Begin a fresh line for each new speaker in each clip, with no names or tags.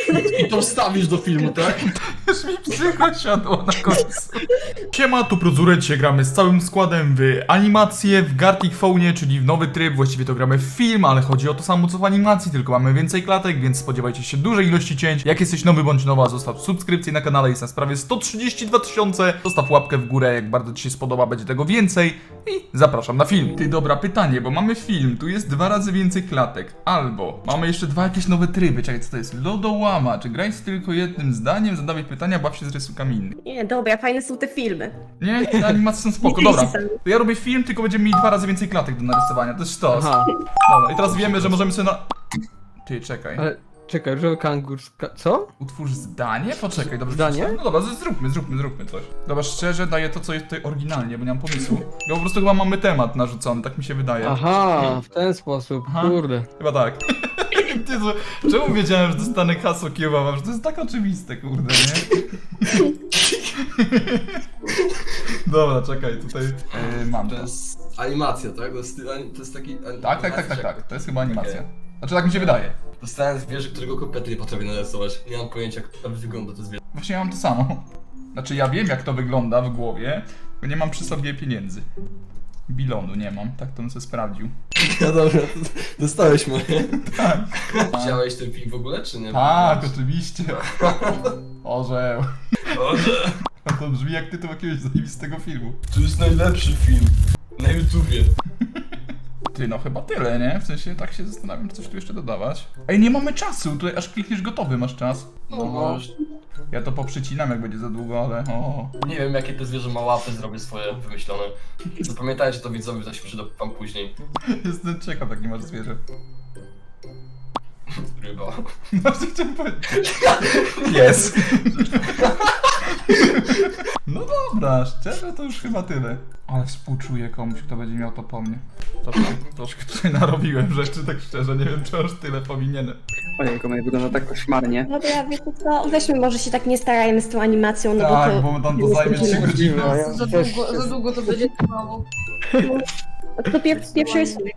I to wstawisz do filmu, tak?
Już mi psycho siadło na końcu. Siema, tu Prozurek, dzisiaj gramy z całym składem w animację, w Gartic Phone, czyli w nowy tryb, właściwie to gramy w film, ale chodzi o to samo co w animacji, tylko mamy więcej klatek, więc spodziewajcie się dużej ilości cięć. Jak jesteś nowy bądź nowa, zostaw subskrypcję na kanale, jest na sprawie 132 000, zostaw łapkę w górę, jak bardzo ci się spodoba, będzie tego więcej i zapraszam na film. Ty, dobra, pytanie, bo mamy film, tu jest 2 razy więcej klatek, albo mamy jeszcze 2 jakieś nowe tryby, czekaj, co to jest? Lodołama, czy graj z tylko jednym zdaniem, zadawaj pytania, baw się z rysunkami innych.
Nie, dobra, fajne są te filmy.
Nie, te animacje są spoko, dobra. To ja robię film, tylko będziemy mieli 2 razy więcej klatek do narysowania, to jest sztos.
Aha,
Dobra, i teraz wiemy, że możemy sobie na... Ty, czekaj.
ale czekaj, różowy kangur... Co?
Utwórz zdanie? Poczekaj, dobrze.
Zdanie?
przeczytałem? No dobra, zróbmy coś. Dobra, szczerze daję to, co jest tutaj oryginalnie, bo nie mam pomysłu. Ja po prostu chyba mamy temat narzucony, tak mi się wydaje.
Aha, w ten sposób,
Aha.
kurde.
Chyba tak. Ty, czemu wiedziałem, że dostanę hasło kiełbawa? Że to jest tak oczywiste, kurde, nie? Dobra, czekaj, tutaj mam
To
to.
jest animacja, tak? To jest taki...
Tak, to jest chyba animacja. Znaczy tak mi się wydaje.
Dostałem zwierzę, którego kompletnie nie potrafię narysować. Nie mam pojęcia, jak to wygląda to zwierzę.
Właśnie ja mam to samo. Znaczy ja wiem, jak to wygląda w głowie, bo nie mam przy sobie pieniędzy. Bilonu nie mam, tak to bym sobie sprawdził.
No dobra, dostałeś moje.
Tak.
Widziałeś ten film w ogóle, czy nie?
Tak, oczywiście. Orzeł.
Boże,
To brzmi jak tytuł jakiegoś zajebistego filmu.
to jest najlepszy film. Na YouTubie.
Ty, no chyba tyle, nie? W sensie tak się zastanawiam, czy coś tu jeszcze dodawać. Ej, nie mamy czasu, tutaj aż klikniesz gotowy, masz czas.
No może.
Ja to poprzycinam, jak będzie za długo, ale o.
Nie wiem, jakie to zwierzę ma łapy, zrobię swoje wymyślone. Zapamiętajcie to, widzowie, to się przyda wam później.
Jestem ciekaw, jak nie masz zwierzę.
Ryba.
No, co chciałem powiedzieć? Jest. No dobra, szczerze to już chyba tyle. Ale współczuję komuś, kto będzie miał to po mnie. Troszkę tutaj narobiłem rzeczy, tak szczerze, nie wiem, czy aż tyle powinienem.
Ojejku, moje wygląda tak koszmarnie.
Dobra, wiecie co, weźmy może się tak nie starajmy z tą animacją, no
Tak,
bo
bo tam to zajmie 3 godziny.
Za długo to będzie trwało.
to pierwszy rysunek.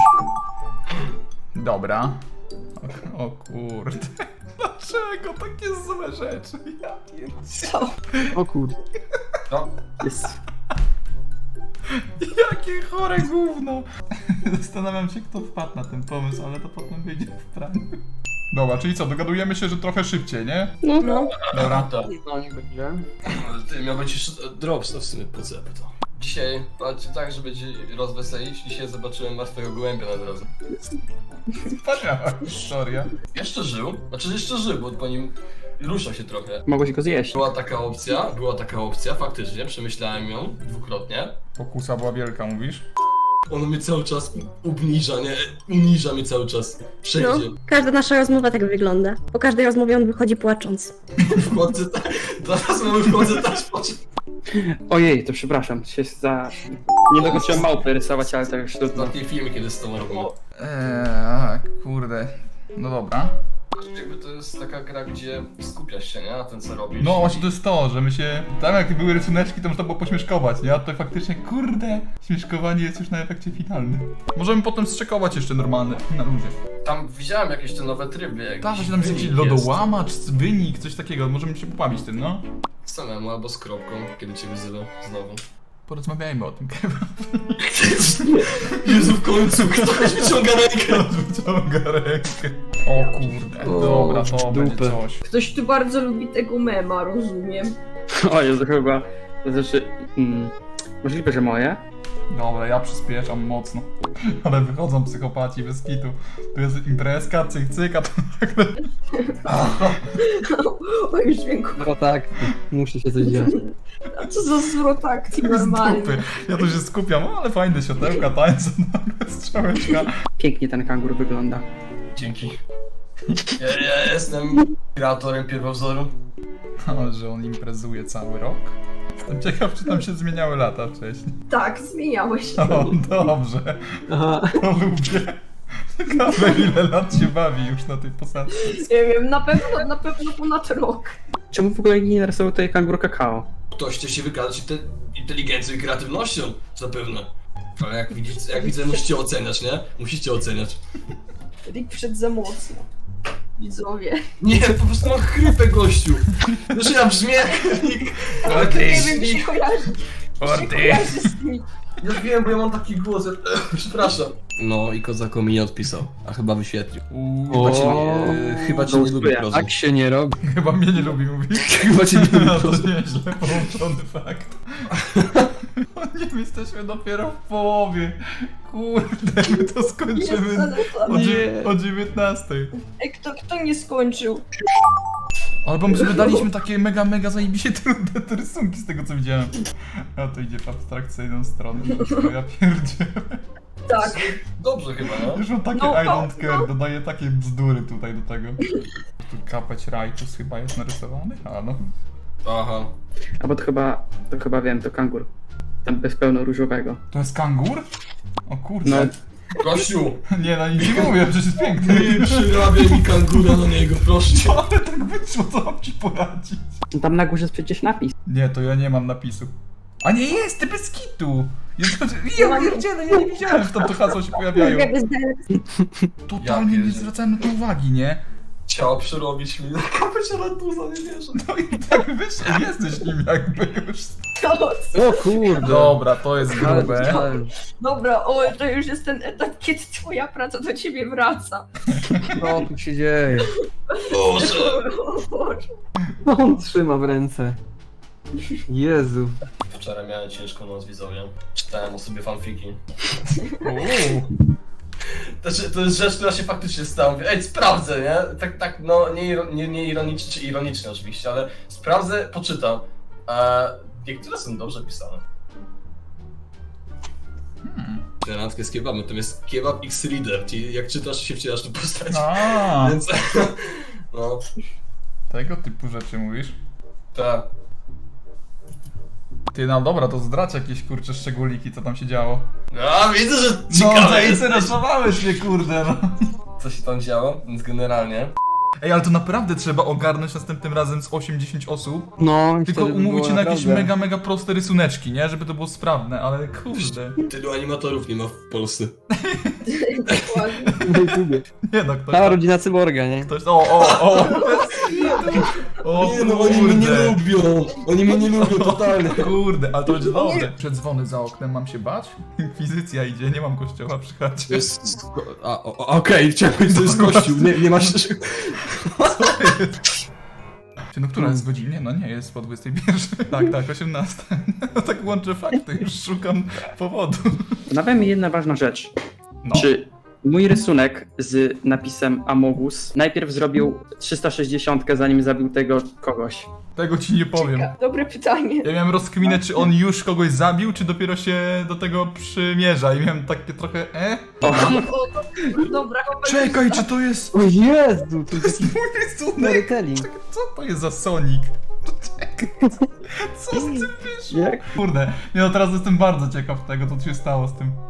Dobra. O kurde. Dlaczego takie złe rzeczy? Ja pierdzielę.
O kurde.
No,
Jest.
Jakie chore gówno. Zastanawiam się, kto wpadł na ten pomysł, ale to potem wyjdzie w praniu. Dobra, czyli co, dogadujemy się, że trochę szybciej, nie?
No.
Dobra.
tak.
No, niech będzie.
Ty, miał być jeszcze drops, to w sumie po co ja to. Dzisiaj, patrzcie tak, żeby cię rozweselić, dzisiaj zobaczyłem martwego gołębia na drodze.
Wspaniała historia.
Jeszcze żył, jeszcze żył, bo po nim rusza się trochę.
Mogłeś go zjeść.
Była taka opcja, faktycznie, przemyślałem ją dwukrotnie.
Pokusa była wielka, mówisz?
Ono mnie cały czas uniża, nie? Uniża mnie cały czas.
No,
Wszędzie.
każda nasza rozmowa tak wygląda. Po każdej rozmowie on wychodzi płacząc.
Wchodzę teraz mamy wchodzę też poczuć.
Ojej, to przepraszam, się za... Nie dokończyłem małpy rysować, ale to już trudno.
Ostatnie filmy, kiedy z tą robimy.
Kurde. No dobra.
Jakby to jest taka gra, gdzie skupiasz się, nie? Na tym, co robisz.
No właśnie to jest to, że my się... Tam jak były rysuneczki, to można było pośmieszkować, nie? A tutaj faktycznie, kurde, śmieszkowanie jest już na efekcie finalnym. Możemy potem strzekować jeszcze normalne, na luzie.
Tam widziałem jakieś te nowe tryby.
Tak,
jakiś
właśnie tam jest jakiś
wynik
lodołamacz, wynik, coś takiego. Możemy się pobawić tym, no.
Samemu albo z kropką, kiedy cię wyzywa znowu.
Porozmawiajmy o tym,
Jezu, w końcu, ktoś wyciąga rękę!
Wyciąga rękę. O kurde, dobra, to będzie
dupę.
coś.
Ktoś tu bardzo lubi tego mema, rozumiem.
O Jezu, chyba... To znaczy... Możliwe, że moje?
Dobra, ja przyspieszam mocno. Ale wychodzą psychopaci bez kitu. Tu jest imprezka, cyk cyk, a to nagle...
O, już dźwięku.
No tak, musi się coś dziać.
A co za zwrot akcji normalnie.
Dupy. Ja tu się skupiam, ale fajne siodełka, tańce, nagle strzałeczka.
Pięknie ten kangur wygląda.
Dzięki. Ja jestem kreatorem pierwowzoru.
Ale że on imprezuje cały rok. Jestem ciekaw, czy tam się zmieniały lata wcześniej.
Tak, zmieniałeś się.
O, dobrze.
Aha.
To lubię. Ciekawe, ile lat się bawi już na tej posadce.
Nie wiem, na pewno ponad rok.
Czemu w ogóle nie narysował tutaj kangur kakao?
Ktoś chce się wykazać inteligencją i kreatywnością, zapewne. Ale jak widzę, musicie oceniać, nie? Musicie oceniać.
Rick wszedł za mocno. widzowie.
Nie, po prostu mam chrypę, gościu. Że ja brzmię jak...
Nie wiem, mi się kojarzy. Mi się kojarzy z tymi.
Ja wiem, bo ja mam taki głos, ja... przepraszam. No i Kozako mi nie odpisał, a chyba wyświetlił. Chyba cię nie lubi, Prozo.
Tak się nie robi.
Chyba mnie nie lubi mówić.
Chyba cię nie lubi,
No to
Prozo.
nieźle połączony fakt. O nie, my jesteśmy dopiero w połowie. Kurde, my to skończymy o 19.
Ej, kto nie skończył?
Ale bo my sobie daliśmy takie mega zajebiście trudne te rysunki z tego co widziałem. A to idzie w abstrakcyjną stronę. To ja pierdzielę.
Tak.
Dobrze chyba, no.
Już mam takie
No,
I don't care, dodaję takie bzdury tutaj do tego. Tu kapeć Rajtus chyba jest narysowany? A no.
Aha.
Albo to chyba wiem, to kangur. Tam bez pełno różowego.
To jest kangur? O kurczę.
No.
Gościu,
Nie, no nic nie mówię, przecież jest piękny.
nie przyrabiaj mi kangura na niego, proszę cię.
Ale tak wyszło, co mam ci poradzić?
No tam na górze jest przecież napis.
Nie, to ja nie mam napisu. A nie jest, ty bez kitu! Ja pierdzielę, ja nie widziałem, że tam to hasło się pojawiają. Totalnie nie zwracałem na to uwagi, nie?
Chciał przerobić mi na kapeć Aratuza, nie wierzę.
No i tak wyszło, jesteś nim jakby już.
O kurde.
Dobra, to jest grube.
Dobra, to już jest ten etap, kiedy twoja praca do ciebie wraca.
Co tu się dzieje?
Boże.
O Boże.
No on trzyma w ręce. Jezu.
Wczoraj miałem ciężką noc, widzowie. Czytałem o sobie fanfiki. To jest rzecz, która się faktycznie stała. Mówię, ej, sprawdzę, nie? Tak, no, nie ironicznie, czy ironicznie oczywiście, ale sprawdzę, poczytam. Niektóre są dobrze pisane. Randkę z kebabem, to jest kebab X Reader, czyli jak czytasz, się wcielasz tu postać.
A,
Więc, no,
tego typu rzeczy mówisz?
tak.
Ty, no dobra, to zdradź jakieś kurcze szczególiki, co tam się działo.
A, widzę, że
No,
ciekawe jest.
zainteresowałeś mnie, kurde, no.
Co się tam działo, więc generalnie.
Ej, ale to naprawdę trzeba ogarnąć następnym razem z 8-10 osób.
No, i
Tylko
wtedy by
umówić się
było
na jakieś
naprawdę.
mega proste rysuneczki, nie? Żeby to było sprawne, ale kurde.
Tylu animatorów nie ma w Polsce.
Dokładnie.
Na YouTubie.
Nie no, ktoś
Cała
tam,
rodzina cyborga, nie?
ktoś, o, o
Nie no, oni mnie nie
kurde.
lubią. Oni mnie nie lubią totalnie.
Kurde, ale to będzie dobre. Przedzwony za oknem, mam się bać? Inkwizycja idzie, nie mam kościoła przy
To
chacie.
jest... Okej, chciałem powiedzieć, to jest kościół. Nie masz...
Czy no która jest godzina? No nie, jest po 21. Tak, 18. No tak łączę fakty, już szukam powodu.
Nawia mi jedna ważna rzecz.
No.
Czy mój rysunek z napisem Amogus najpierw zrobił 360, zanim zabił tego kogoś?
Tego ci nie powiem.
Dobre pytanie.
Ja miałem rozkminę, czy on już kogoś zabił, czy dopiero się do tego przymierza i miałem takie trochę
Dobra, chyba
Czekaj, czy to jest
O Jezu, to jest
mój rysunek?
storytelling.
Co to jest za Sonic? Czekaj, co z tym wyszło?
Jak?
Kurde, nie no teraz jestem bardzo ciekaw tego, co się stało z tym.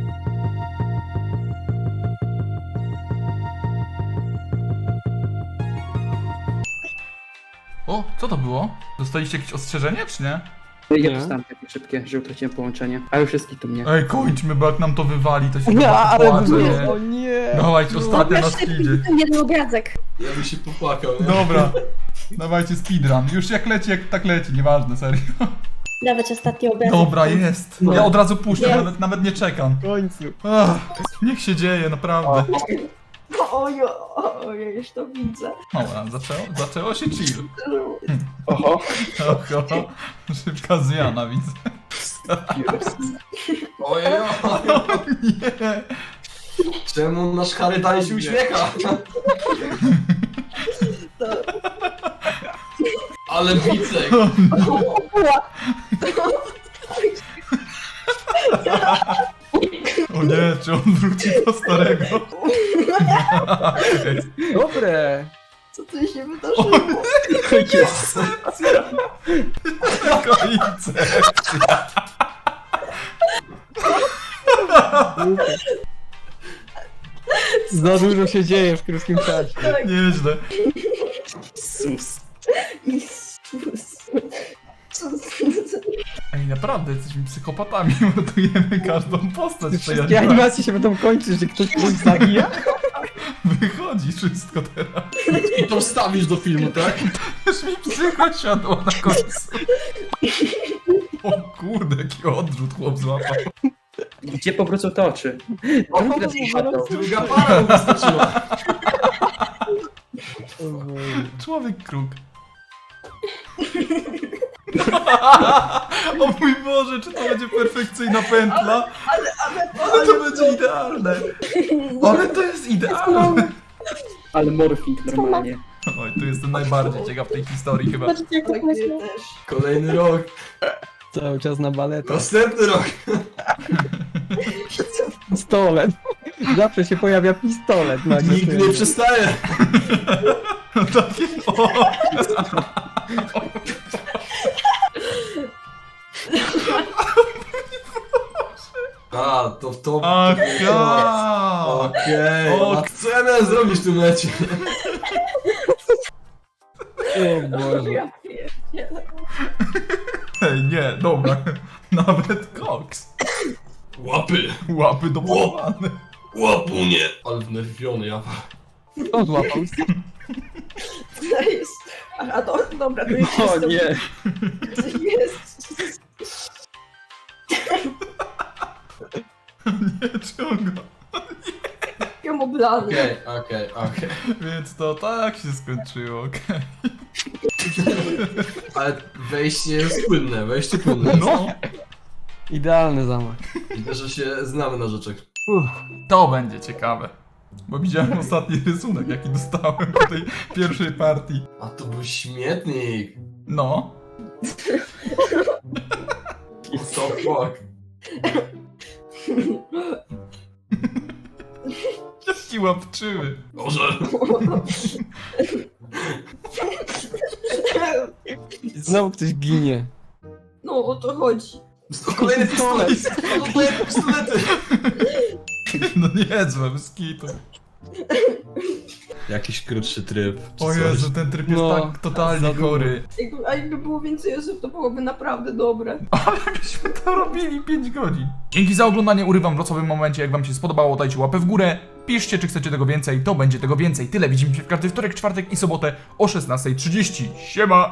O, co to było? Dostaliście jakieś ostrzeżenie, czy nie?
Ja
Nie.
dostałem takie szybkie, że utraciłem połączenie. A już jest kitu mnie.
Ej, kończmy, bo jak nam to wywali, to się
Nie,
chyba
ale
popłaczę, nie?
o nie.
Dawajcie, ostatnia na
Pokaż
speedzie.
ten jeden obrazek.
Ja bym się popłakał, nie?
Dobra, dawajcie speedrun. Już jak leci, jak tak leci, nieważne, serio.
Dawać ostatni obrazek.
Dobra, jest.
No.
Ja od razu puszczę,
Jest.
nawet nie czekam.
W końcu.
Ach, niech się dzieje, naprawdę.
Ojej, już to widzę.
Dobra, zaczęło się chill.
Oho.
Oho, szybka zmiana, widzę.
Ojej,
Nie.
czemu nasz Harry dalej się uśmiecha? Ale Wicek!
O nie, czy on wróci do starego?
Dobre.
Co tu się wydarzyło?
Końce.
Za dużo się dzieje w krótkim czasie.
Nieźle.
Sus.
Jezus.
Ej, naprawdę, jesteśmy psychopatami, ratujemy każdą postać. w tej
Wszystkie animacje się będą kończyć, że ktoś kogoś zabija.
Wychodzi wszystko teraz.
I to wstawisz do filmu, tak?
Już mi psycho siadło na końcu. O kurde, jaki odrzut chłop złapał.
Gdzie powrócą te oczy?
O,
Teraz mi padło.
druga para mu wystarczyła.
Człowiek kruk. O mój Boże, czy to będzie perfekcyjna pętla? Ale to będzie idealne. Ale to jest idealne.
Ale morfing normalnie.
Oj, tu jestem najbardziej ciekaw tej historii chyba.
Patrzcie, jak to
Tak,
pomyślę.
ja też.
Kolejny rok.
Cały czas na baletę.
Następny rok.
Pistolet. Zawsze się pojawia pistolet. nagle.
Nikt nie przestaje.
Takie, o.
A, to...
Ach, ja.
Okej.
O,
A co ja miałem zrobić w tym lecie?
O Boże.
Ja pierdzielę.
Ej, nie, dobra. Nawet koks.
Łapy.
Łapy dopasowane.
Łapunie. Ale wnerwiony, ja...
Kto złapał?
To jest... A to, dobra, to jest...
O nie.
To jest...
Nie ciąga.
Ja oblany.
Okej.
Więc to tak się skończyło, okej.
Ale wejście jest płynne, wejście płynne.
No,
Idealny zamach.
Widzę, że się znamy na rzeczach.
to będzie ciekawe. Bo widziałem ostatni rysunek, jaki dostałem po tej pierwszej partii.
A to był śmietnik.
No.
What the fuck?
Jaki łapczywy.
Boże.
Znowu ktoś ginie.
No, o to chodzi.
To kolejny pistolet. To kolejne pistolety.
No niezłe, bez kitu.
Jakiś krótszy tryb. czy
O
coś.
Jezu, ten tryb jest
No,
tak totalnie
za długo.
chory.
A jakby było więcej osób, to byłoby naprawdę dobre.
Ale jakbyśmy to robili 5 godzin. Dzięki za oglądanie, urywam w losowym momencie. Jak wam się spodobało, dajcie łapę w górę. Piszcie, czy chcecie tego więcej, to będzie tego więcej. Tyle, widzimy się w każdy wtorek, czwartek i sobotę o 16:30. Siema!